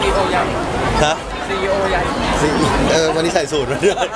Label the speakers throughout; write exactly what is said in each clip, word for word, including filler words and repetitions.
Speaker 1: โอใหญ่
Speaker 2: ฮะ
Speaker 1: ซีอีโอใหญ่
Speaker 2: เออวันนี้ใส่สูตรมาด้วย
Speaker 1: อ่ะ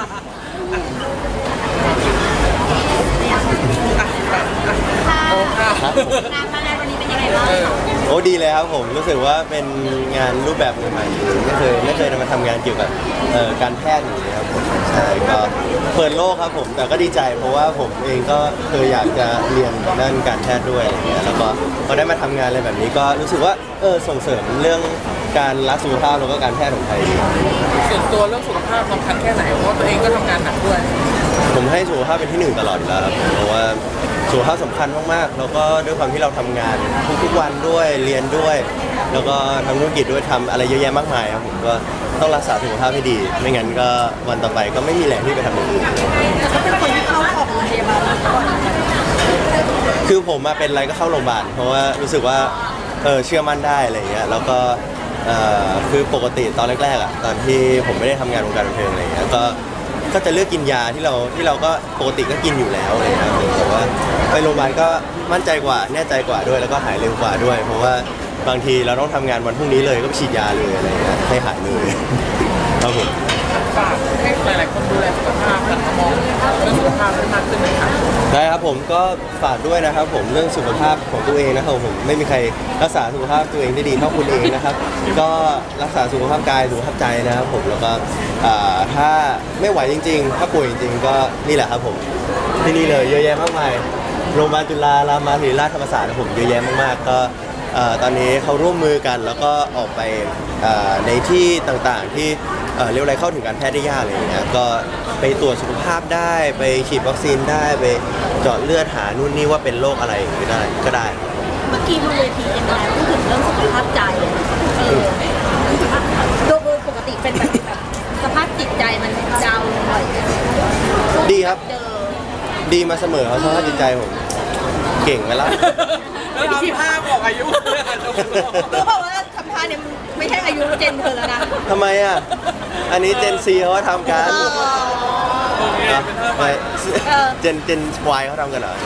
Speaker 3: ค่ะ
Speaker 1: โอ้ค่ะ
Speaker 2: ครับผม
Speaker 3: งานมางานวันนี้เป็นยังไงบ้าง
Speaker 1: เออ
Speaker 2: โอ้ดีเลยครับผมรู้สึกว่าเป็นงานรูปแบบใหม่ๆไม่เคยไม่เคยมาทำงานเกี่ยวกับเอ่อการแพทย์อย่างนี้ครับผมใช่ก็เปิดโลกครับผมแต่ก็ดีใจเพราะว่าผมเองก็เคยอยากจะเรียนด้านการแพทย์ด้วยอะไรเงี้ยแล้วก็พอได้มาทำงานอะไรแบบนี้ก็รู้สึกว่าเออส่งเสริมเรื่องการรักสุขภาพแล้วก็การแพทย์ของไทยดี
Speaker 1: ส่วนตัวเรื่องสุขภาพสำคัญแค่ไหนเพราะว่าตัวเองก็ทำงานหนักด้วย
Speaker 2: ผมให้สุขภาพเป็นที่หนึ่งตลอดอยู่แล้วครับเพราะว่าสุขภาพสำคัญมากๆแล้วก็ด้วยความที่เราทำงานทุกๆวันด้วยเรียนด้วย แล้วก็ทำธุรกิจด้วยทำอะไรเยอะแยะมากมายครับผมก็ต้องรักษาสุขภาพให้ดี ไม่งั้นก็วันต่อไปก็ไม่มีแรงที่ไปทำอย่างอื่น
Speaker 3: แต่ก็เป็นคนที่เข้าออกโรงพยาบาลมาก่อน
Speaker 2: คือผมมาเป็นอะไรก็เข้าโรงพยาบาลเพราะว่ารู้สึกว่าเออเชื่อมั่นได้อะไรอย่างเงี้ยแล้วก็เอ่อคือปกติตอนแรกๆอ่ะตอนที่ผมไม่ได้ทำงานวงการบันเทิงอะไรอย่างเงี้ยก็ก็จะเลือกกินยาที่เราที่เราก็ปกติก็กินอยู่แล้วอะไรอย่างเงี้ยแต่ว่าไปโรงพยาบาลก็มั่นใจกว่าแน่ใจกว่าด้วยแล้วก็หายเร็วกว่าด้วย เพราะว่าบางทีเราต้องทำงานวันพรุ่งนี้เลยก็ไปฉีดยาเลยอะไรอย่างเงี้ยให้หายเลยครับผม
Speaker 1: ฝากให้หลายๆคนดูแลสุขภาพหันมามองเรื่องสุขภาพให้มากขึ้นไหมคะ
Speaker 2: ได้ครับผมก็ฝากด้วยนะครับผมเรื่องสุขภาพของตัวเองนะครับผมไม่มีใครรักษาสุขภาพตัวเองได้ดีเท่าคุณเองนะครับก็รักษาสุขภาพกายสุขภาพใจนะครับผมแล้วก็อ่าถ้าไม่ไหวจริงๆ ถ้าป่วยจริงๆก็นี่แหละครับผมที่นี่เลยเยอะแยะมากมายโรงพยาบาลจุฬารามาธิราชธรรมศาสตร์นะผมเยอะแยะมากๆก็เอ่อตอนนี้เขาร่วมมือกันแล้วก็ออกไปเอ่อในที่ต่างๆที่เอ่อเรียกอะไรเข้าถึงการแพทย์ได้ยากอะไรอย่างเงี้ยก็ไปตรวจสุขภาพได้ไปฉีดวัคซีนได้ไปเจาะเลือดหานู่นนี่ว่าเป็นโรคอะไรก็ได้ก็ได้
Speaker 3: เมื่อกี้บนเวทีเอ็มไลพูดถึงเรื่องสุขภาพใจเออโดยปกติเป็นแบบแบบสภาพจิตใจมันดาวน์ลงบ่อย
Speaker 2: ดีครับ
Speaker 3: เจอ
Speaker 2: ดีมาเสมอครับสภาพจิตใจผมเก่งไหมล่ะ
Speaker 1: แล้วทำท่าบอกอายุเลยอ่ะ
Speaker 3: รู้เปล่าว่าทำท่าเนี่ยไม่ใช่อายุเจนเธอแล้วนะ
Speaker 2: ทำไมอ่ะ อันนี้เจนซีเขาทำกัน
Speaker 1: โอเค
Speaker 2: นะ
Speaker 1: เป็นท่าให
Speaker 2: ไม่
Speaker 1: ม่
Speaker 2: เจนเจนวายเขาทำกันเหรอ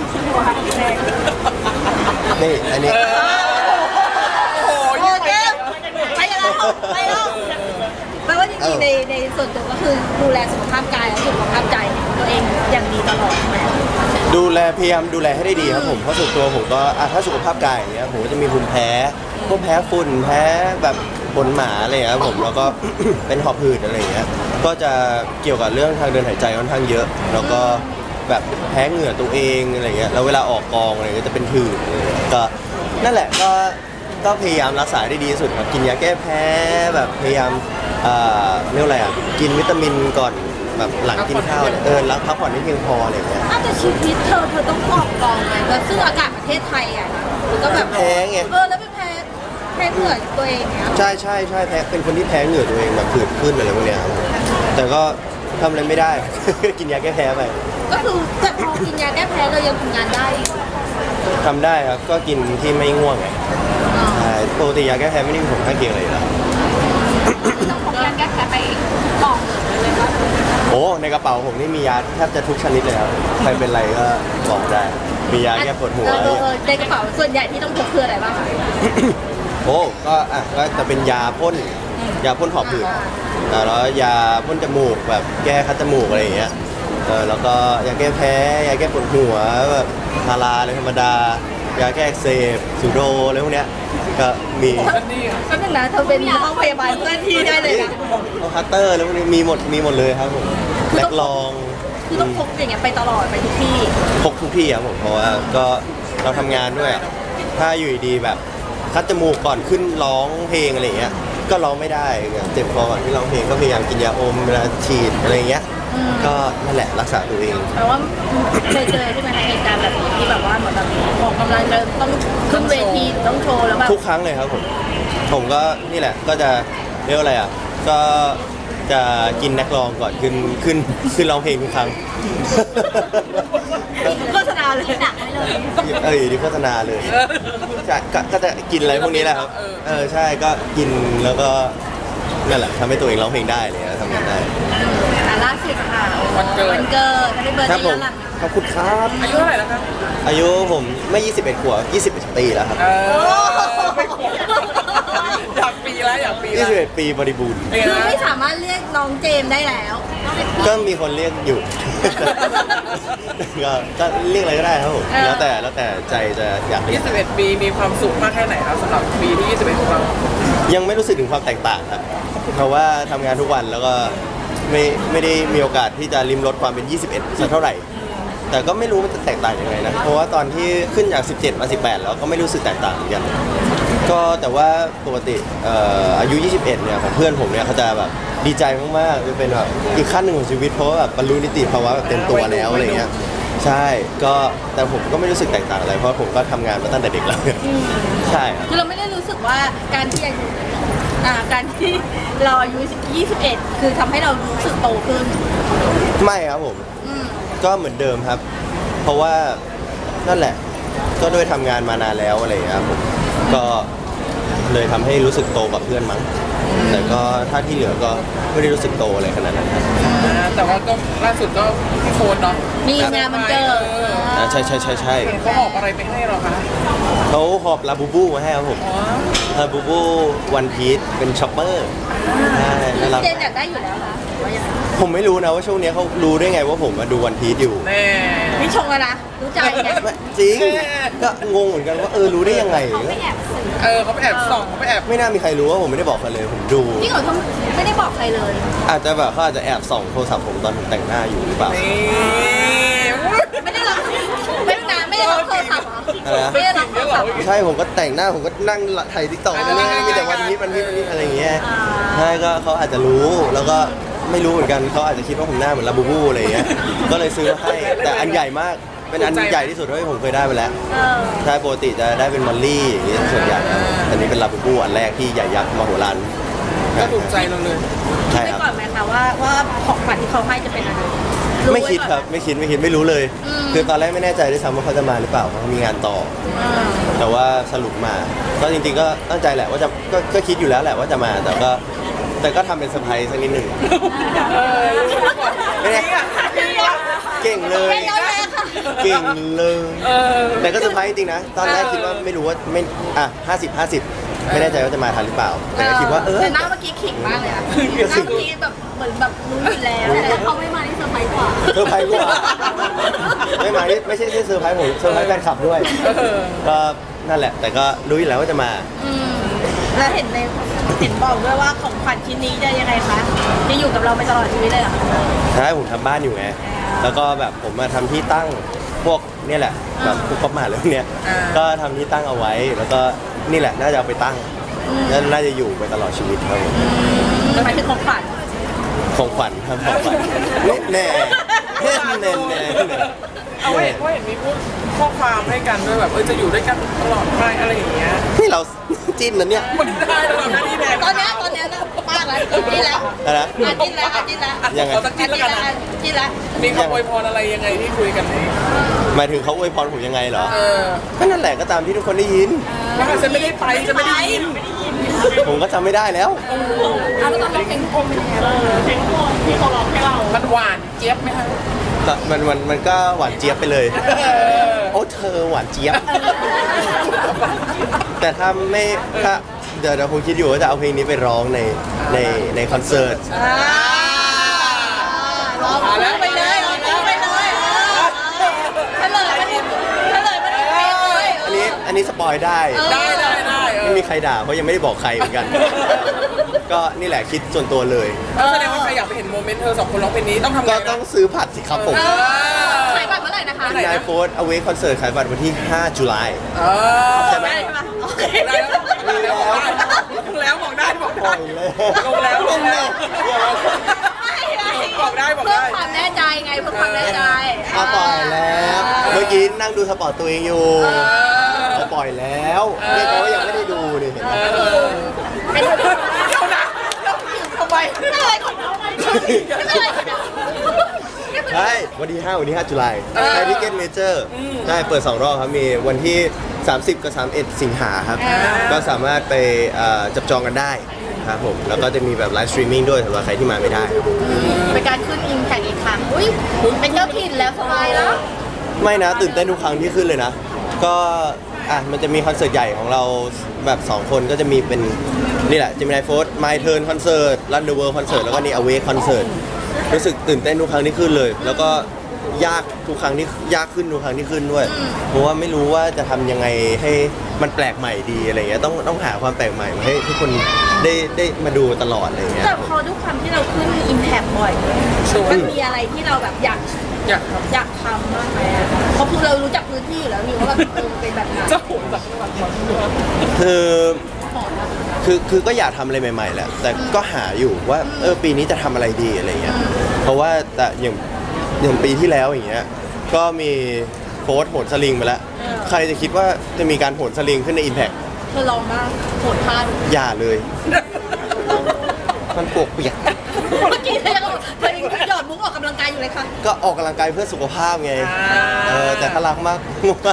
Speaker 2: นี่ อันนี้
Speaker 1: โอ้โห
Speaker 3: โอเคไปแล้วไปแล้วแปลว่าจริงๆในในส่วนตัวก็คือดูแลสุขภาพกายและสุขภาพใจตัวเองอย่างดีตลอดใช่ไหม
Speaker 2: ดูแลพยายามดูแลให้ได้ดีครับผม เพราะส่วนตัวผมก็อ่ะถ้าสุขภาพกายอย่างเงี้ยผมก็จะมีภูมิแพ้ พวกแพ้ฝุ่น แพ้แบบขนหมาอะไรอย่างเงี้ยครับผม แล้วก็ เป็นหอบหืดอะไรอย่างเงี้ย ก็จะเกี่ยวกับเรื่องทางเดินหายใจค่อนข้างเยอะ แล้วก็แบบแพ้เหงื่อตัวเองอะไรเงี้ย แล้วเวลาออกกองอะไรก็จะเป็นผื่นอะไรเงี้ยก็นั่นแหละก็ก็พยายามรักษาได้ดีที่สุดครับ กินยาแก้แพ้แบบพยายามอ่าเรียกว่าอะไรอ่ะ กินวิตามินก่อนแบบหลังกินข้าวเนี่ยเออแล้วพักผ่อนให้เพียงพออะไรเงี้ย
Speaker 3: อ้าวแต่ชีวิตเธอเธอต้องออกกองไงแล้วซึ่งอากาศประเทศไทยอ่ะมันก็แบบ
Speaker 2: แพ้ไง
Speaker 3: เออแล้วเป็นแพ้แพ้เหงื่อตัวเองเนี้ย
Speaker 2: ใช่ใช่ใช่แพ้เป็นคนที่แพ้เหงื่อตัวเองแบบผื่นขึ้นอะไรพวกเนี้ยครับแต่ก็ทำอะไรไม่ได้ กินยาแก้แพ้ไป
Speaker 3: ก็คือแต่พอกินยาแก้แพ้เรายังทำงานได้
Speaker 2: ทำได้ครับก็กินที่ไม่ง่วงไง
Speaker 3: อ๋อ
Speaker 2: ใช่ปกติยาแก้แพ้ไม่ได้มีผลข้างเคียงอะไรอยู่แล้ว
Speaker 3: ต้องพกยาแก้แพ้ไปกล่องเลยว่า
Speaker 2: โอ้ในกระเป๋าผมนี่มียาแทบจะทุกชนิดเลยครับใครเป็นไรก็บอกได้ มียาแก้ปวดหัว
Speaker 3: เออเออเออในกระเป๋าส่วนใหญ่ที่ต้องพกคืออะไรบ้างคะ
Speaker 2: โอ้ก็อ่ะก็จะเป็นยาพ่นยาพ่นหอบหืดอ่ะแล้วยาพ่นจมูกแบบแก้คัดจมูกอะไรอย่างเงี้ยเออแล้วก็ยาแก้แพ้ยาแก้ปวดหัวแบบพาราอะไรธรรมดายาแก้อักเสบสูโดอะไรพวกเนี้ยก็มี
Speaker 1: อันนี้
Speaker 3: ก็นึงนะเธอเป็นห้องพยาบาลเพื่อนที่ได้เลยนะ
Speaker 2: เอาคัตเตอร์แล้วพวกนี้มีหมดมีหมดเลยครับผมแลกลอง
Speaker 3: คือต้องพกอย่างเงี้ยไปตลอดไปทุกที่
Speaker 2: พกทุกที่ครับผมเพราะว่าก็เราทำงานด้วยอะถ้าอยู่ดีๆแบบคัดจมูกก่อนขึ้นร้องเพลงอะไรอย่างเงี้ยก็ร้องไม่ได้เจ็บคอก่อนที่ร้องเพลงก็พยายามกินยาอมเวลาฉีดอะไรอย่างเงี้ยก็นั่นแหละรักษาตัวเอง
Speaker 3: แปลว่าเคยเจอใช่ไหมคะเหตุการณ์แบบนี้ที่แบบว่าเหมือนแบบออกกำลังจะต้องขึ้นเวทีหรือต้องโชว์แล้วแบบ
Speaker 2: ทุกครั้งเลยครับผมผมก็นี่แหละก็จะเรียกว่าอะไรอ่ะก็จะกินนักร้องก่อนขึ้นขึ้นขึ้นร้องเพลงทุกครั้ง
Speaker 3: โฆษณาเลยหนักเลย
Speaker 2: เอออยู่ที่โฆษณาเลยใช่ก็ก็จะกินอะไรพวกนี้แหละครับเออใช่ก็กินแล้วก็นั่นแหละทำให้ตัวเองร้องเพลงได้เลยทำงานได้
Speaker 3: อ่ะล่าสุดค่ะวันเกิดวันเกิดให้เบิร์ด
Speaker 2: ครับ
Speaker 3: ได้
Speaker 2: ผ
Speaker 3: ย้อ
Speaker 2: ม
Speaker 3: นหลัง
Speaker 2: ขอบคุณครับ
Speaker 1: อายุเท่าไหร่แล้วครับ
Speaker 2: อายุผมไม่ยี่สิบเอ็ดขวบยี่สิบเอ็ดปีแล้วครับ
Speaker 1: เออไม่ขวบอยากปีแล้วอยากปี
Speaker 2: ยี่
Speaker 1: แล้ว
Speaker 2: สิบเอ็ดปีบริบูรณ์
Speaker 1: เป็นไง
Speaker 3: คือ
Speaker 1: นะ
Speaker 3: ไม่สามารถเรียกน้องเจมส์ได้แล้ว
Speaker 2: ก็มีคนเรียกอยู่ ก็ก็เรียกอะไรก็ได้ครับผมแล้วแต่แล้วแต่ใจจะอยากเรียก
Speaker 1: ยี่สิบเอ็ดปีมีความสุขมากแค่ไหนครับสำหรับปีที่ยี่สิบเอ็ดของเรา
Speaker 2: ยังไม่รู้สึกถึงความแตกต่างครับเพราะว่าทำงานทุกวันแล้วก็ไม่ไม่ได้มีโอกาสที่จะริมรสความเป็น ยี่สิบเอ็ดสักเท่าไหร่ แต่ก็ไม่รู้มันจะแตกต่างยังไงนะ เพราะว่าตอนที่ขึ้นจาก สิบเจ็ด มา สิบแปด แล้วก็ไม่รู้สึกแตกต่างเหมือนกัน ก็แต่ว่าปกติเอ่ออายุ ยี่สิบเอ็ด เนี่ยของเพื่อนผมเนี่ยเขาจะแบบดีใจมากๆจะเป็นแบบอีกขั้นหนึ่งของชีวิตเพราะว่าแบบบรรลุนิติภาวะแบบเต็มตัวแล้วอะไรเงี้ย ใช่ ก็แต่ผมก็ไม่รู้สึกแตกต่างอะไรเพราะผมก็ทำงานมาตั้งแต่เด็กแล้วใช่ครับ
Speaker 3: คือเราไม่ได้รู้สึกว่าการที่อายุอ่าการที่เราอายุยี่สิบเอ็ดคือทำให้เรารู้สึกโตขึ้น
Speaker 2: ไม่ครับผม
Speaker 3: อืม
Speaker 2: ก็เหมือนเดิมครับ เพราะว่านั่นแหละ ก็ด้วยทำงานมานานแล้วอะไรอย่างเงี้ยครับผม ก็เลยทำให้รู้สึกโตกว่าเพื่อนมั้ง แต่ก็ถ้าที่เหลือก็ไม่ได้รู้สึกโตอะไรขนาดนั้นครับ
Speaker 1: อ่าแต่ว่าก็ล่าสุดก็พี่โฟนเนาะ
Speaker 3: มีงานมันเกิด
Speaker 1: ออ
Speaker 2: อ่าใช่ใช่ใช่ใช่
Speaker 1: เห็นเขาออกอะไรไปให้เราคะ
Speaker 2: เขาหอบลาบูบูมาให้ครับผม
Speaker 1: อ๋อ
Speaker 2: ลาบูบูวันพีชเป็นช็อปเปอร์ใช่น่ารัก
Speaker 3: เจนอยากได้อยู่แล้วค่ะว่ายังไง
Speaker 2: ผมไม่รู้นะว่าช่วงนี้เขารู้ได้ไงว่าผมมาดูวันพีชอยู่
Speaker 1: แน่
Speaker 3: นี่ชงแล้วนะรู้ใจไง
Speaker 2: ไม่จริง ก็งงเหมือนกันว่าเออรู้ได้ยังไง
Speaker 1: เออเขาไปแอบส่องเขาไปแอบ
Speaker 2: ไม่น่ามีใครรู้ว่าผมไม่ได้บอกใครเลยผมดู
Speaker 3: พี่เขาทำไม่ได้บอกใครเลย
Speaker 2: อาจจะแบบเขาอาจจะแอบส่องโทรศัพท์ผมตอนผมแต่งหน้าอยู่หรือเปล่า
Speaker 1: นี่
Speaker 3: ไม่ได้รับไม่นานไม่ได้รับโทรศัพท์เหรอ
Speaker 2: อะไรนะ
Speaker 3: ไม่ได้รับโทรศัพท์เหรอ
Speaker 2: ใช่ผมก็แต่งหน้าผมก็นั่งถ่ายทิกตอกไปเรื่อยมีแต่วันพีชวันพีชวันพีชอะไรอย่างเงี้ยใช่ก็เขาอาจจะรู้แล้วก็ไม่รู้เหมือนกันเขาอาจจะคิดว่าผมหน้าเหมือนลาบูบูอะไรอย่างเงี้ยก็เลยซื้อมาให้แต่อันใหญ่มากเป็นอันใหญ่ที่สุดเท่าที่ผมเคยได้ไปแล้ว
Speaker 3: เออ
Speaker 2: ใช่ปกติจะได้เป็นมอลลี่อย่างเงี้ยส่วนใหญ่ครับอันนี้เป็นลาบูบูอันแรกที่ใหญ่ยักษ์มโหฬาร
Speaker 1: ก็ถูกใจเราเลย
Speaker 2: ใช่
Speaker 3: ไม่
Speaker 2: ครับ
Speaker 3: ก่อนไหมคะว่าว่าของขวัญที่เขาให้จะเป็นอะไรรู้
Speaker 2: ไม่คิด
Speaker 3: ว้ก่อน
Speaker 2: ครับไม่คิดไม่คิดไม่รู้เลย
Speaker 3: อืม
Speaker 2: คือตอนแรกไม่แน่ใจด้วยซ้ำว่าเขาจะมาหรือเปล่าเพราะเขามีงานต่อ
Speaker 3: อ่า
Speaker 2: แต่ว่าสรุปมา ก็จริงๆก็ตั้งใจแหละว่าจะก็ก็คิดอยู่แล้วแหละว่าจะมา แต่ก็แต่ก็ทำเป็นเซอร์ไพรส์สักนิดหนึ่ง
Speaker 1: เออรู้มาก่อน
Speaker 2: ไม่ได้
Speaker 1: จริงอ่ะ
Speaker 2: เก่งเลย
Speaker 3: ไม่ย้อนแย้งค่ะ
Speaker 2: เก่งเลย
Speaker 1: เออ
Speaker 2: แต่ก็เซอร์ไพรส์จริงๆนะ ตอนแรกคิดว่าไม่รู้ว่าไม่อ่ะห้าสิบห้าสิบไม่แน่ใจว่าจะมาทันหรือเปล่า แต่ก็คิดว่าเออ
Speaker 3: แต่หน้าเมื่อกี้ขิงมากเลยอะหน้าเมื่อกี้แบบเหมือนแบบรู้อยู่แล้วแต่เขาไม่มาที่เซอร์ไพรส์กว่า
Speaker 2: เซอร์ไพรส์กว่าไม่มานี่ไม่ใช่แค่เซอร์ไพรส์ผมเซอร์ไพรส์แฟนคลับด้วย
Speaker 1: เออ
Speaker 2: ก็นั่นแหละ แต่ก็รู้อยู่แล้วว่าจะมา
Speaker 3: อืมแล้วเห็นในเห็นบอกด้วยว่าของขวัญชิ้นนี้จะยังไงคะจะอยู่กับเราไปตลอดชีวิตเลยเหรอ
Speaker 2: ใช่ผมทำบ้านอยู่ไง แล้วก็แบบผมมาทำที่ตั้งพวกเนี่ยแหละแบบพวกป๊อปมาเลยเนี่ย
Speaker 1: อ่า
Speaker 2: ก็ทำที่ตั้งเอาไว้ แล้วก็นี่แหละน่าจะเอาไปตั้งแล้วน่าจะอยู่ไปตลอดชีวิตครับผม
Speaker 3: หมายถึงของขวัญ
Speaker 2: ของขวัญครับของขวัญแน่แน่แน่แน่แน่
Speaker 1: เอาไว้เห็นว่าเห็นมีพูดข้อความให้กันด้วยแบบเออจะอยู่ด้วยกันตลอดไปอะไรอย่างเงี้ย
Speaker 2: นี่เราจิ้นนะเนี่ย
Speaker 1: มันได้ระหว่างหน้าที่แทน
Speaker 3: ตอนเนี้ยตอนเนี้ยนะมากแล้วจิ้นแล้ว
Speaker 2: อะไรนะ
Speaker 3: อ่ะจิ้นแล้วอ่ะจิ้นแล้ว
Speaker 2: ยังไง
Speaker 1: ขอสักทีแล้วกันนะ
Speaker 3: จิ้นแล้ว
Speaker 1: มีคำอวยพรอะไรยังไงที่คุยกันนี้
Speaker 2: หมายถึงเขาอวยพรผมยังไงเหรอ
Speaker 1: เออ
Speaker 2: ก็นั่นแหละก็ตามที่ทุกคนได้ยิน
Speaker 1: ว่าฉันไม่ได้ไปจะไม่ได้ยิน
Speaker 2: ผมก็จำไม่ได้แล้ว
Speaker 3: เอาแล้วตอนเราเพลงโคมเป็นยังไงบ้างเพลงโคมที่เขาร้องให้เรา
Speaker 1: มันหวานเจี๊ยบไหมคะ
Speaker 2: แต่มันมันมันก็หวานเจี๊ยบไปเลย
Speaker 1: เออ
Speaker 2: โอ้เธอหวานเจี๊ยบ แต่ถ้าไม่ถ้าเดี๋ยวเดี๋ยวผมคิดอยู่ว่าจะเอาเพลงนี้ไปร้องในในในคอนเสิร์ต
Speaker 3: อ่าร้องไปเลยร้องไปเลยเฉลยมันเฉลยมันเพลงเลย
Speaker 2: อันนี้อันนี้สปอยได้
Speaker 1: ได้ได้ได้เอ
Speaker 2: ไม่
Speaker 1: อ
Speaker 2: มีใครด่าเพราะยังไม่ได้บอกใครเหมือนกัน ก็นี่แหละคิดส่วนตัวเลย
Speaker 1: เออแสดงว่าใครอยากไปเห็นโมเมนต์เธอสองคนร้องเพลงนี้ต้องทำไง
Speaker 2: ก็
Speaker 1: นะ
Speaker 2: ต้องซื้อผัดสิครับผม
Speaker 1: เออ
Speaker 3: ขายบัตรเมื่อไหร่นะคะ
Speaker 1: ไหนนะ
Speaker 2: นายโฟร์เอาเวคอนเสิร์ตขายบัตรวันที่ห้าตุลา
Speaker 1: เออ
Speaker 2: ใช่ไหม
Speaker 3: ได้ใช่ไหมโอเค
Speaker 1: ได้แล้วบอกได้บอกได้บอก
Speaker 2: ปล่
Speaker 1: ได้
Speaker 2: อยแล้ว
Speaker 1: ลงแล้วลงแล้วบอกได้บอก
Speaker 3: เพื่อ
Speaker 1: ได้
Speaker 3: ความแน่ใจไงเพื่อความแน่ใจ
Speaker 2: อ่ะปล่อยแล้ว เมื่อกี้นั่งดูสปอร์ตตัวเองอยู่ก็ปล่อยแล้วนี่แปลว่ายังไม่ได้ดูนี่เห็นไหม
Speaker 1: เออ
Speaker 3: เป็นเ
Speaker 1: เดี๋ยวนะทำไม
Speaker 3: ป็นอะไรของเราไม่เป็นอะไรของเรา
Speaker 2: ใช่วันที่ห้าวันที่ห้าตุลาใช้ทิเก็ตเมเจอร์ใช่เปิดสองรอบครับมีวันที่สามสิบกับสามสิบเอ็ดสิงหาครับก็สามารถไปเอ่อจับจองกันได้ครับผมแล้วก็จะมีแบบไลฟ์สตรีมมิ่งด้วยสำหรับใครที่มาไม่ได้ครับ
Speaker 3: เป็นการขึ้นอิงแข่งอีกครั้งอุ้ยเป็นเจ้าถิ่นแล้วสบายแล้ว
Speaker 2: ไม่นะตื่นเต้นทุกครั้งที่ขึ้นเลยนะ ก็อ่ะมันจะมีคอนเสิร์ตใหญ่ของเราแบบสองคนก็จะมีเป็นนี่แหละ Gemini Force My Turn Concert Run the World Concert แล้วก็นี่ Awake Concert รู้สึกตื่นเต้นทุกครั้งที่ขึ้นเลย แล้วก็ยากทุกครั้งที่ยากขึ้นทุกครั้งที่ขึ้นด้วย เพราะว่าไม่รู้ว่าจะทำยังไงให้มันแปลกใหม่ดีอะไรเงี้ยต้องต้องหาความแปลกใหม่มาให้ทุกคนได้ได้มาดูตลอดอะไรเงี้ย
Speaker 3: แต่พอด้วยความที่เราขึ้นอิมแพคบ่อย
Speaker 1: ชัวร์
Speaker 3: มันมีอะไรที่เราแบบอยาก
Speaker 1: อยากท
Speaker 3: อยากทำบ้างไหมอะเพราะคือเรารู้จักพื้นที่อยู่แล้วนี่ว่าแบบเออเป็นแบบไหน
Speaker 1: ำจะโหนจากจังหวัดมาด้วย
Speaker 2: คือ
Speaker 3: หอมอะ
Speaker 2: คือคือก็อยากทำอะไรใหม่ๆแหละ แต่ก็หาอยู่ว่าเออปีนี้จะทำอะไรดีอะไรเงี้ย เพราะว่าแต่อย่างอย่างปีที่แล้วอย่างเงี้ย ก็มีโค้ดโหนสลิงมาแล้ว ใครจะคิดว่าจะมีการโหนสลิงขึ้นใน Impact
Speaker 3: เธอลองบ้างโหดท่าดู
Speaker 2: อย่าเลย มันปวกเปียก
Speaker 3: เมื่อกี้เธอยังบอกเธอยังหยอดมุกออกกำลังกายอยู่เลยค่ะ
Speaker 2: ก็ออกกำลังกายเพื่อสุขภาพไง เออแต่ถ้ารักมาก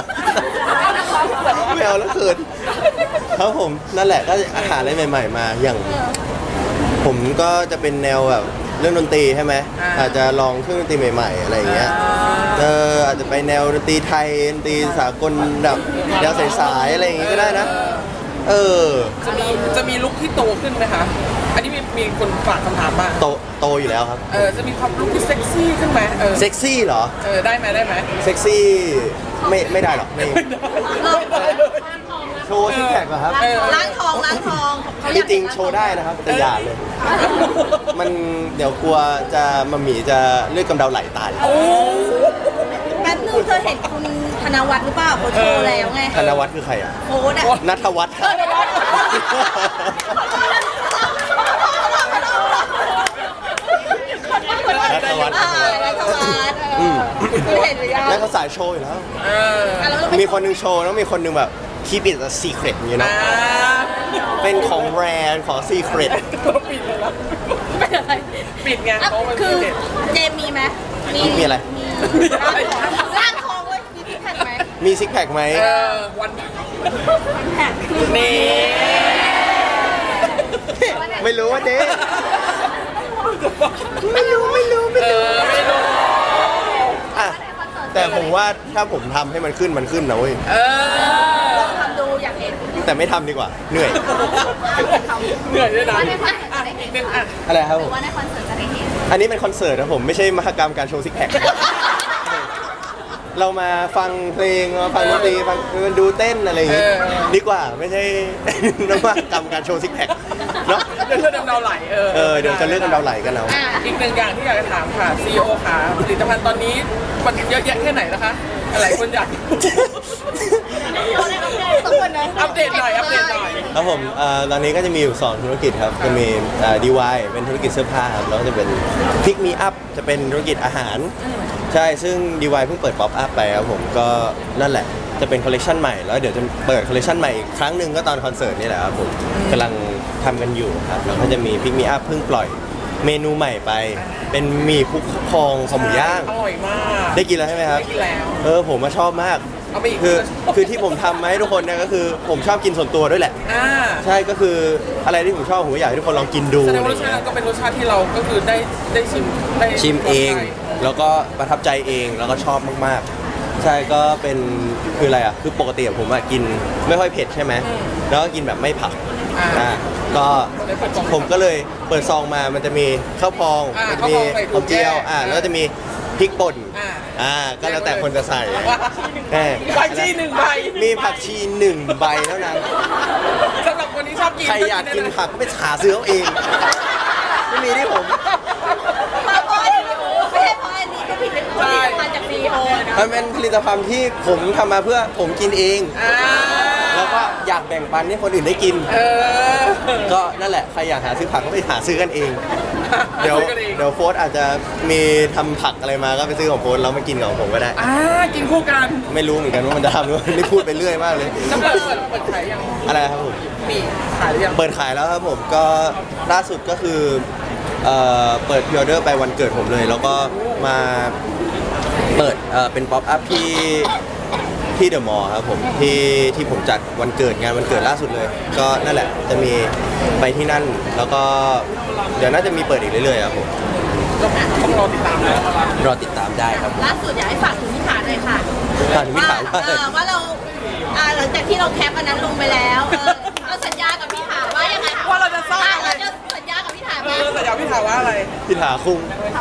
Speaker 2: ไม่เอาแล้วเขินครับผมนั่นแหละก็หาอะไรใหม่ ๆ มาอย่าง ผมก็จะเป็นแนวแบบเรื่องดนตรีใช่ไหมอาจจะลองเครื่องดนตรีใหม่ ๆ อะไรอย่างเงี้ยเอออาจจะไปแนวดนตรีไทยดนตรีสากลแบบแนวสายๆอะไรอย่างงี้ก็ได้นะ เออ
Speaker 1: จะมีจะมีลุคที่โตขึ้นไหมคะอันนี้มีมีคนฝากคำถามมา
Speaker 2: โตโตอยู่แล้วครับ
Speaker 1: เออจะมีความลุคที่เซ็กซี่ขึ้นไหมเออ
Speaker 2: เซ็กซี่เหรอ
Speaker 1: เออได้ไหมได้ไหม
Speaker 2: เซ็กซี่ไม่ไม่ได้หรอกไม่
Speaker 1: ไม่ได้เลย
Speaker 2: โชว์ซิกแพคเหรอครับ
Speaker 1: เออ
Speaker 3: ล้างทองล้างทองเขาอ
Speaker 2: จ
Speaker 3: ยาก
Speaker 2: ริงๆโชว์ได้นะครับแต่อย่าเลย มันเดี๋ยวกลัวจะมาหมีจะเลือดกำเดาไหลตาย
Speaker 1: โอ้
Speaker 3: แป๊บนึงเธอเห็นคุณธนวัฒน์หรือเปล่าเขาโชว์แล้วไง
Speaker 2: ธนวัฒน์คือใครอ่ะ
Speaker 3: โค้ดอะ
Speaker 2: นัทวัฒน์
Speaker 3: เออธนวัฒน์
Speaker 2: นัทวัฒน์
Speaker 3: อ่านัทวัฒน์เออคุณเห็นหรือยัง
Speaker 2: แล้วเขาสายโชว์อยู่แล้ว
Speaker 1: เออ
Speaker 3: อ่ะแล้วเราไป
Speaker 2: มีคนหนึงโชว์แล้วมีคนหนึงแบบ keep it a secret อย่างเงี้ย
Speaker 1: อ่า
Speaker 2: เนาะเป็นของแบรนด์ของ secret
Speaker 1: เราปิดเลยละ
Speaker 3: เป็นอะไร
Speaker 1: ปิดไง
Speaker 3: อ่ะ
Speaker 1: เพราะมัน
Speaker 3: คือ
Speaker 1: เด็ด
Speaker 3: เจมมีไหม
Speaker 2: มีอะไร
Speaker 3: มีร่างทองเว้ยมีที่แผ่นไหม
Speaker 2: มีซิกแพคไหม
Speaker 1: เออวัน
Speaker 3: แผ่นคือ
Speaker 1: นี้
Speaker 2: ไม่รู้ว่าเด้ไม่รู้ไม่รู้ไม่
Speaker 1: เอ
Speaker 2: รู้
Speaker 1: อไม่รู้
Speaker 2: อ่ะแต่ผมว่าถ้าผมทำให้มันขึ้นมันขึ้นนะเว้ย
Speaker 1: เออ
Speaker 3: ลองทำดูอยากเห็น
Speaker 2: แต่ไม่ทำดีกว่า เหนื่อย
Speaker 1: เหนื่อยด้วยนะ
Speaker 3: ว่าในคอนเสิร์ต
Speaker 1: อ่ะ
Speaker 3: จะได้เห็
Speaker 1: อี
Speaker 3: น
Speaker 1: กหนึ่งอ่ะ
Speaker 2: อะไรครับผม
Speaker 3: ว่าในคอนเสิร์ตจะได้เห็น
Speaker 2: อันนี้เป็นคอนเสิร์ตนะผมไม่ใช่มหกรรมการโชว์ซิกแพค เรามาฟังเพลงมาฟังดนตรีฟังดูเต้นอะไรอย่างงี้
Speaker 1: เออ
Speaker 2: ดีกว่าไม่ใช่ นวัตกรรมการโชว์ซิกแพคเนาะ
Speaker 1: เดี๋ยวเลือดดำเดาไหลเออ
Speaker 2: เออเดี๋ยวจะเลือกกันเราไหลกันเอา
Speaker 3: อ่ะ
Speaker 1: อีกหนึ่งอย่างที่อยากจะถามค่ะ ซี อี โอ ค่ะผลิตภัณฑ์ตอนนี้มันเยอะแยะแค่ไหนนะคะหลายคนอยาก
Speaker 3: ทุกคนนะ
Speaker 1: อัปเดตหน่อยอัปเดตหน่อย
Speaker 2: ครับผมเอ่อตอนนี้ก็จะมีอยู่สองธุรกิจครับจะมีดีวายเป็นธุรกิจเสื้อผ้าครับแล้วก็จะเป็นพิกมีอัพจะเป็นธุรกิจอาหาร ใช่ซึ่ง ดี วาย เพิ่งเปิดป๊อปอัพไปครับผมก็นั่นแหละจะเป็นคอลเลคชันใหม่แล้วเดี๋ยวจะเปิดคอลเลคชันใหม่อีกครั้งหนึ่งก็ตอนคอนเสิร์ตนี่แหละครับผมกำลังทำกันอยู่ครับแล้วก็จะมีพิกมีอัพเพิ่งปล่อยเมนูใหม่ไป เป็นหมี่คุกพองคอหมูย่าง
Speaker 1: อร่อยมาก
Speaker 2: ได้กินแล้วใช่ไหมครับ
Speaker 1: ได้กินแล้ว
Speaker 2: เออผมมาชอบมาก
Speaker 1: เอาไปอีก
Speaker 2: คือคือที่ผมทำมาให้ทุกคนเนี่ยก็คือผมชอบกินส่วนตัวด้วยแหละ
Speaker 1: อ่า
Speaker 2: ใช่ก็คืออะไรที่ผมชอบผมก็อยากให้ทุกคนลองกินดู
Speaker 1: แสดง
Speaker 2: อะไร
Speaker 1: ว่ารสชา
Speaker 2: เงี้
Speaker 1: ติ
Speaker 2: ย
Speaker 1: ก็เป็นรสชาติที่เราก็คือได้ได้ชิมได้
Speaker 2: ชิมเอง
Speaker 1: ใช่
Speaker 2: แล้วก็ประทับใจเองแล้วก็ชอบมากๆ ใช่ก็เป็นคืออะไรอ่ะคือปกติผมอะกินไม่ค่อยเผ็ดใช่ไหมแล้วก็กินแบบไม่ผัก
Speaker 1: อ่า
Speaker 2: อ่าก็ผมก็เลยเปิดซองมามันจะมีข้าวพอง
Speaker 1: อ่า
Speaker 2: มันจะมี
Speaker 1: ข้าวพองใส่
Speaker 2: หอมเจียว
Speaker 1: ถั่วแก้
Speaker 2: อ่าแล้วก็จะมีพริกป่น
Speaker 1: อ่า
Speaker 2: อ่าก็แล้วแต่คนจะใส่แหม
Speaker 1: ผักชีหนึ่งใบ
Speaker 2: มีผักชีหนึ่งใบเท่านั้น
Speaker 1: สำหรับคนที่ชอบกิน
Speaker 2: ใครอยากกินผักก็ไปหาซื้อเอาเอง ไม่มีที่ผม
Speaker 3: มาเพราะอันนี้ไม่ใช่เพราะอันนี้ก็ผิดเป็นผลิตภัณฑ์จากซีโอนะ
Speaker 2: มันเป็นผลิตภัณฑ์ที่ผมทำมาเพื่อผมกินเอง
Speaker 1: อ่า
Speaker 2: แล้วก็อยากแบ่งปันให้คนอื่นได้กิน
Speaker 1: เออ
Speaker 2: ก็นั่นแหละ ใครอยากหาซื้อผักก็ไปหาซื้อกันเอง เดี๋ยว
Speaker 1: ซื้อกันอง
Speaker 2: เดี๋ยวโฟร์อาจจะมีทำผักอะไรมาก็ไปซื้อของโฟร์แล้วมากินของผมก็ได้
Speaker 1: อ่ากินคู่กัน
Speaker 2: ไม่รู้เหมือนกันว่ามันจะทำหรือเปล่านี่พูดไปเรื่อยมากเลย
Speaker 1: น้ำเปิดเปิดเปิดขายยัง
Speaker 2: อะไรครับผม
Speaker 1: มีขายหรือยัง
Speaker 2: เปิดขายแล้วครับผมก็ล่าสุดก็คือเอ่อเปิดพ r ออเดอร์ไปวันเกิดผมเลย แล้วก็มาเปิดเอ่อเป็นป๊อปอัพที่ที่เดอะมอลล์ครับผมที่ที่ผมจัดวันเกิดงานวันเกิดล่าสุดเลย ก็นั่นแหละจะมีไปที่นั่นแล้วก็เดี๋ยวน่าจะมีเปิดอีกเรื่อยๆครับผม
Speaker 1: ก็ต้องรอติดตามแล้ว
Speaker 2: รอติดตามได้ครับ
Speaker 3: ล่าสุดอยากให้ฝากถึงพิธาหน่อยค่ะ
Speaker 2: ฝากถึงพิธาว่า
Speaker 3: เออว่าเราอ่าหลังจากจากที่เราแคปอันนั้นลงไปแล้วเออเราสัญญากับพี่ถาว่ายังไง
Speaker 1: ว่าเราจะสร้างอะไร
Speaker 3: เราจะสัญญากับพี่ถา
Speaker 1: เอ
Speaker 3: ว่า
Speaker 1: อแต่อยากพี่ถามว่าอะไร
Speaker 2: พี่ถาคุ้ง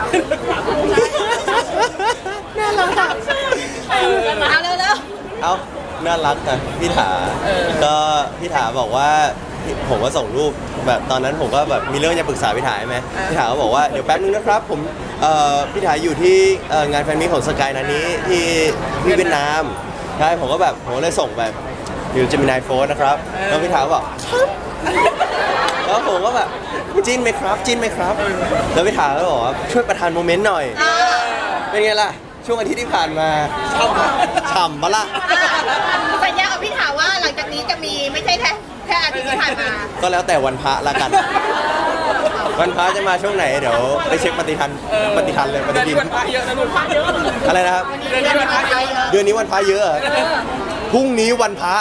Speaker 2: น่ารักอ่ะ
Speaker 3: เอาเร็ว
Speaker 2: เอ้าน่ารักอ่ะพี่ถาก็พี่ถาบอกว่าผมก็ส่งรูปแบบตอนนั้นผมก็แบบมีเรื่องจะปรึกษาพี่ถาใช่ไหมพี่ถาก็บอกว่าเดี๋ยวแป๊บนึงนะครับผมเอ่อพี่ถาอยู่ที่เอ่องานแฟนมิตของสกายนันนี้ที่ที่เวียดนามใช่ผมก็แบบผมก็เลยส่งแบบอยู่เจมินายโฟนนะครับแล้วพี่ถาก็บอกครับแล้วผมก็แบบจิ้นไหมครับจิ้นไหมครับแล้วพี่ถาก็บอกว่าช่วยประทานโมเมนต์หน่อย
Speaker 3: ๆอ่า
Speaker 2: เป็นไงล่ะช่วงอาทิตย์ที่ผ่านมาฉ่ำปะล่ะ
Speaker 3: สัญญากับพี่ถาว่าหลังจากนี้จะมีไม่ใช่แค่แค่อาทิตย์ที่ผ่านมา
Speaker 2: ก็แล้วแต่วันพระละกัน วันพระจะมาช่วงไหนเดี๋ยวไปเช็คปฏิทันปฏิทันเลยป
Speaker 1: เดื
Speaker 2: ฏิ
Speaker 1: อน
Speaker 2: ทิ
Speaker 1: นี้
Speaker 2: น
Speaker 1: วันพระเยอะนะลูกพระเยอะ
Speaker 2: อะไรนะครับ
Speaker 1: เดือนนี้วันพระเยอะ
Speaker 2: เดือนนี้วันพระเยอะเหรอพรุ่งนี้วันพระ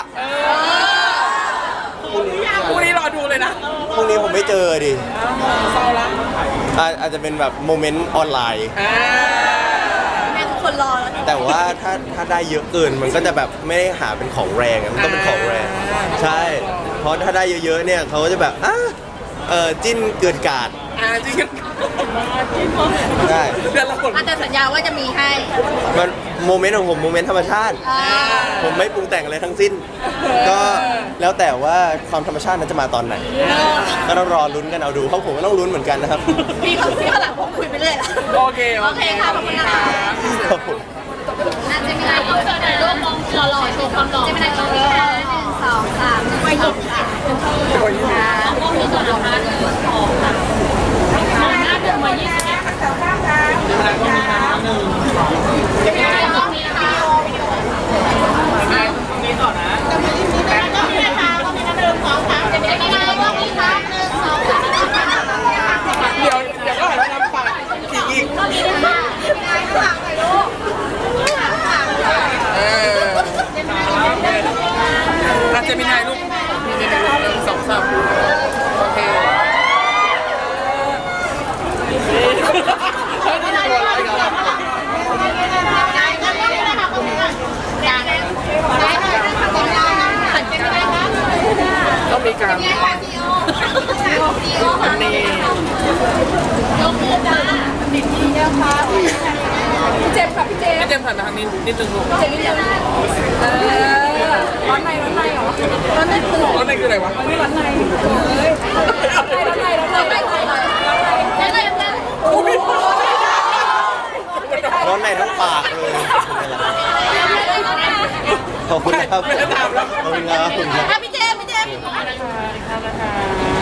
Speaker 1: พรุ่งนี้รอดูเลยนะ
Speaker 2: พรุ่งนี้ผมไม่เจอดิ
Speaker 1: เศร้าละ
Speaker 2: อาอาจจะเป็นแบบโมเมนต์ออนไลน์
Speaker 1: อ่า
Speaker 3: แม่ทุกคนรอแล้ว
Speaker 2: แต่ว่าถ้าถ้าได้เยอะเกินมันก็จะแบบไม่ได้หาเป็นของแรงอะมันต้องเป็นของแรง ใช่ เพราะถ้าได้เยอะๆเนี่ยเขาก็จะแบบอ่ะเออจิ้นเกินกาด
Speaker 1: อ่าจริงกัน
Speaker 2: ได้
Speaker 1: เดือนละคน
Speaker 3: อาจจะสัญญาว่าจะมีให้
Speaker 2: มันโมเมนต์ของผมโมเมนต์ธรรมชาติ
Speaker 3: อ่า
Speaker 2: ผมไม่ปรุงแต่งอะไรทั้งสิ้น ก็แล้วแต่ว่าความธรรมชาตินั้นจะมาตอนไหน ก็ต้องรอลุ้นกันเอาดูเพราะผมก็ต้องลุ้นเหมือนกันนะครับ
Speaker 3: พี่เขาพี่เขาหลังผมคุยไปเรื่อยละ
Speaker 1: โอเค
Speaker 3: โอเคค่ะขอบคุณนะคะ
Speaker 2: ครับผม
Speaker 3: น่าจะมีอะไรต้องเจอในรูปมองหล่อๆโชว์ความหล่อจะเป็นอะไรตรงนี้ค่ะหนึ่งสองสามไปหยิบค่ะต้องมีตัวละครหนึ่งสองสามหน้าหนึ่งมายี่สิบเอ็ดจะมีอะไรต้องมีนะคะมีต่อนะจะมีต้องมีนะคะต้องมีหนึ่งสองสามจะมีอะไรต้องมีคะหนึ่งสองสาม
Speaker 1: เดี๋ยวเดี๋ยวก็หันมาทำปากขี่อีก
Speaker 3: ต้องมีนะคะมีอะไรข้างหลังหน่อยลูก
Speaker 1: เอออาจจะมีนายลูกมีนายลูกหนึ่งสองสามโอเคเฮ้ยนี่ตัวอะไรกันล่ะต้องมีการนี่
Speaker 3: เจ็บค่ะพี่เจ
Speaker 1: พี่เจมส์ผ่านทางนี้นิดนึงลูก
Speaker 3: เจ็บนิดเดียวเออร้อนในร้อนในเหรอร้อนในคือ
Speaker 1: ร้อนในคืออะไรวะ
Speaker 3: ไม่ร้อนในเฮ้ยร้อนในร้อนในร้อนในร้อนในร้อนในร้อนในร้อนใน
Speaker 2: ร้อนในทั้งปากเลยขอบคุณนะครับ
Speaker 1: ไม่ได้ถามแล้ว
Speaker 2: ขอบคุณครับขอบคุณครับ
Speaker 3: พี่เจพี่เจ